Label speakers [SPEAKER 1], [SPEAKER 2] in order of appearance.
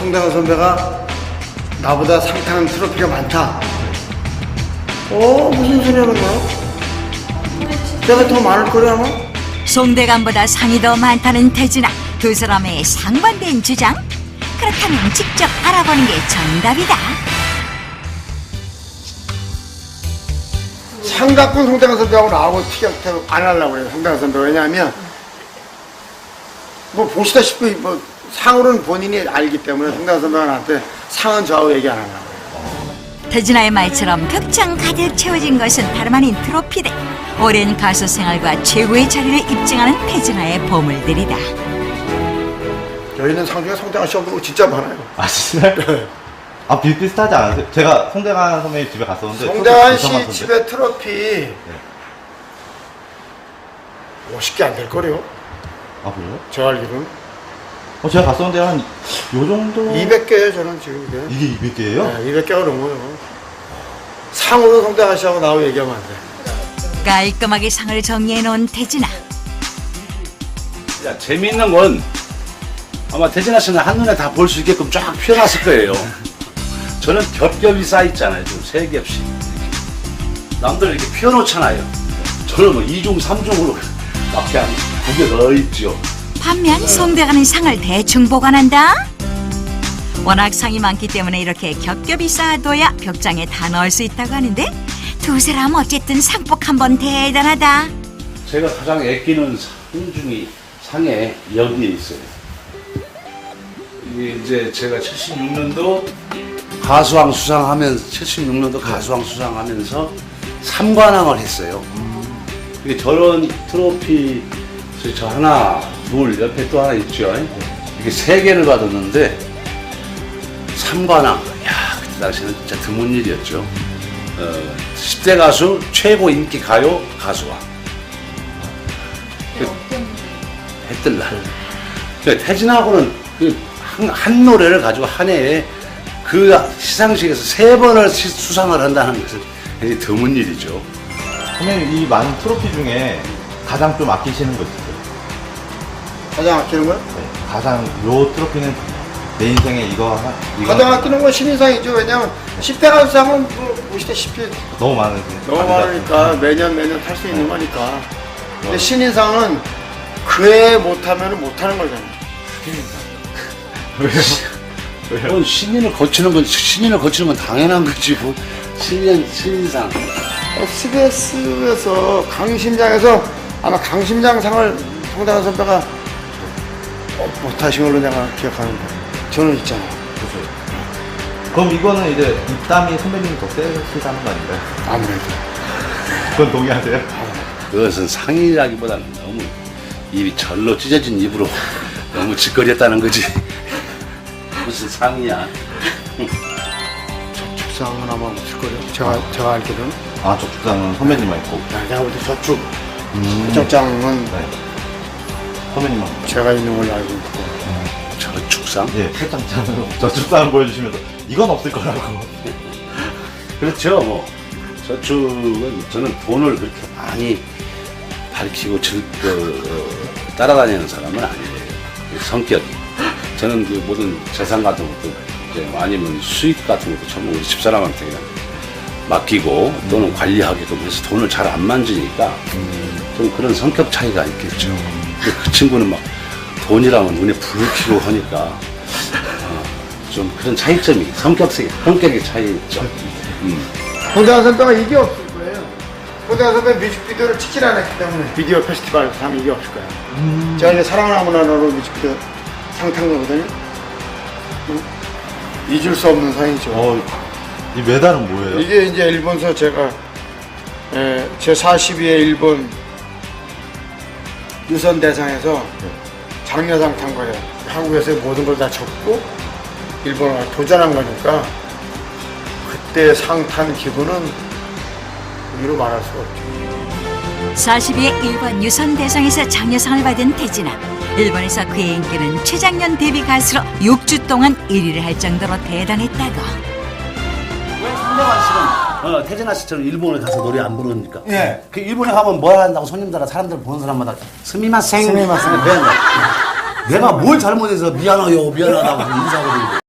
[SPEAKER 1] 송대관 선배가 나보다 상 타는 트로피가 많다. 무슨 소리 하는 거야? 내가 더 많을 거래 아마?
[SPEAKER 2] 송대관보다 상이 더 많다는 태진아. 두 사람의 상반된 주장? 그렇다면 직접 알아보는 게 정답이다.
[SPEAKER 1] 상 갖고 송대관 선배하고 나하고 티격태격 안 하려고 그래요. 송대관 선배가. 왜냐하면 뭐 보시다시피 뭐 상으로는 본인이 알기 때문에 송대관 선배가 나한테 상은 저하고 얘기 안 하려고 그래요.
[SPEAKER 2] 태진아의 말처럼 벽장 가득 채워진 것은 다름 아닌 트로피들. 오랜 가수 생활과 최고의 자리를 입증하는 태진아의 보물들이다.
[SPEAKER 1] 저희는 상 중에 송대관 씨 없는 거 진짜 많아요.
[SPEAKER 3] 아 진짜요? 아 비슷하지 않았어요? 제가 송대관 선배님 집에 갔었는데
[SPEAKER 1] 송대관 씨 집에 트로피 50개 안 될 거래요.
[SPEAKER 3] 아 그래요?
[SPEAKER 1] 제가 알기로는.
[SPEAKER 3] 제가 갔었는데 한 요 정도
[SPEAKER 1] 200개예요 저는 지금 이게.
[SPEAKER 3] 이게 200개예요?
[SPEAKER 1] 네, 200개가 넘어요. 상으로 송대관 씨하고 나하고 얘기하면 안 돼.
[SPEAKER 2] 깔끔하게 상을 정리해 놓은 태진아.
[SPEAKER 4] 야, 재미있는 건 아마 태진아 씨는 한눈에 다 볼 수 있게끔 쫙 펴놨을 거예요. 저는 겹겹이 쌓여있잖아요. 좀 3겹씩. 남들 이렇게 펴놓잖아요. 저는 뭐 2중, 3중으로 밖에 한 9개 넣어있죠.
[SPEAKER 2] 반면 송대관은 상을 대충 보관한다. 워낙 상이 많기 때문에 이렇게 겹겹이 쌓아둬야 벽장에 다 넣을 수 있다고 하는데 두 사람 어쨌든 상복 한번 대단하다.
[SPEAKER 4] 제가 가장 아끼는 상 중에 상에 여기에 있어요. 이게 이제 제가 76년도 가수왕 수상하면서 76년도 가수왕 수상하면서 3관왕을 했어요. 이게 저런 트로피 저 하나, 둘 옆에 또 하나 있죠. 이게 3개를 받았는데 3관왕. 야, 그때 당시에는 진짜 드문 일이었죠. 10대 가수 최고 인기 가요 가수왕. 했던 날. 태진하고는 한 노래를 가지고 한 해에 그 시상식에서 3번을 수상을 한다는 것은 굉장히 드문 일이죠.
[SPEAKER 3] 선배님 이 많은 트로피 중에 가장 좀 아끼시는 거 있어요?
[SPEAKER 1] 가장 아끼는 거요?
[SPEAKER 3] 네. 가장 요 트로피는 내 인생에 이거
[SPEAKER 1] 가장 아끼는 건 신인상이죠. 왜냐면 10대 가수상은 뭐 보시다시피
[SPEAKER 3] 너무 많으세요.
[SPEAKER 1] 너무 많으니까 매년 탈 수 있는 거니까. 근데 신인상은 그 해 못하면 못하는 거잖아요.
[SPEAKER 4] 그건 신인을 거치는 건 당연한 거지. 뭐 신인상.
[SPEAKER 1] SBS에서 강심장에서 아마 강심장상을 송대관 선배가 못하신 걸로 내가 기억하는데 저는 있잖아요.
[SPEAKER 3] 그렇죠. 그럼 이거는 이제 입담이 선배님이 더 세시다는 거 아닌가요?
[SPEAKER 1] 아무래도.
[SPEAKER 3] 그건 동의하세요?
[SPEAKER 4] 그것은 상이라기보다는 너무 입이 절로 찢어진 입으로 너무 짓거렸다는 거지. 무슨 상이야.
[SPEAKER 1] 저축상은 아마 없을 거예요. 제가 알기로는.
[SPEAKER 3] 아 저축장은 선배님만 있고
[SPEAKER 1] 내가 볼 때 저축장은
[SPEAKER 3] 네. 선배님만
[SPEAKER 1] 제가 있는 걸로 알고 있고.
[SPEAKER 4] 저축상?
[SPEAKER 3] 예, 팔짱장으로 저축상을 보여주시면서 이건 없을 거라고.
[SPEAKER 4] 그렇죠. 뭐 저축은 저는 돈을 그렇게 많이 밝히고 따라다니는 사람은 아니에요. 성격이. 저는 그 모든 재산 같은 것도 이제 아니면 수익 같은 것도 전부 우리 집사람한테 그냥 맡기고 또는 관리하게끔 해서 돈을 잘 안 만지니까 좀 그런 성격 차이가 있겠죠. 근데 그 친구는 막 돈이라면 눈에 불을 켜고 하니까 좀 그런 차이점이 성격의 차이 있죠.
[SPEAKER 1] 송대관 선배가 이게 없을 거예요. 송대관 선배 뮤직비디오를 찍질 않았기 때문에 비디오 페스티벌 하면 이게 없을 거예요. 제가 이제 사랑을 아무나로 뮤직비디오 상 탄 거거든요. 잊을 수 없는 상이죠.
[SPEAKER 3] 이 메달은 뭐예요?
[SPEAKER 1] 이게 이제 일본서 제가 제 42회 일본 유선 대상에서 장려상 탄 거예요. 한국에서의 모든 걸 다 접고 일본을 도전한 거니까 그때 상 탄 기분은 이루 말할 수가 없죠.
[SPEAKER 2] 42회 일본 유선 대상에서 장려상을 받은 태진아. 일본에서 그의 인기는 최장년 데뷔 가수로 6주 동안 1위를 할 정도로 대단했다고.
[SPEAKER 4] 왜 송대관 씨는 태진아 씨처럼 일본에 가서 노래 안 부르니까?
[SPEAKER 1] 예.
[SPEAKER 4] 그 일본에 가면 뭐 한다고 손님들, 사람들 보는 사람마다 스미마생.
[SPEAKER 1] 스미마셍.
[SPEAKER 4] 내가 뭘 잘못해서 미안하다고 인사하고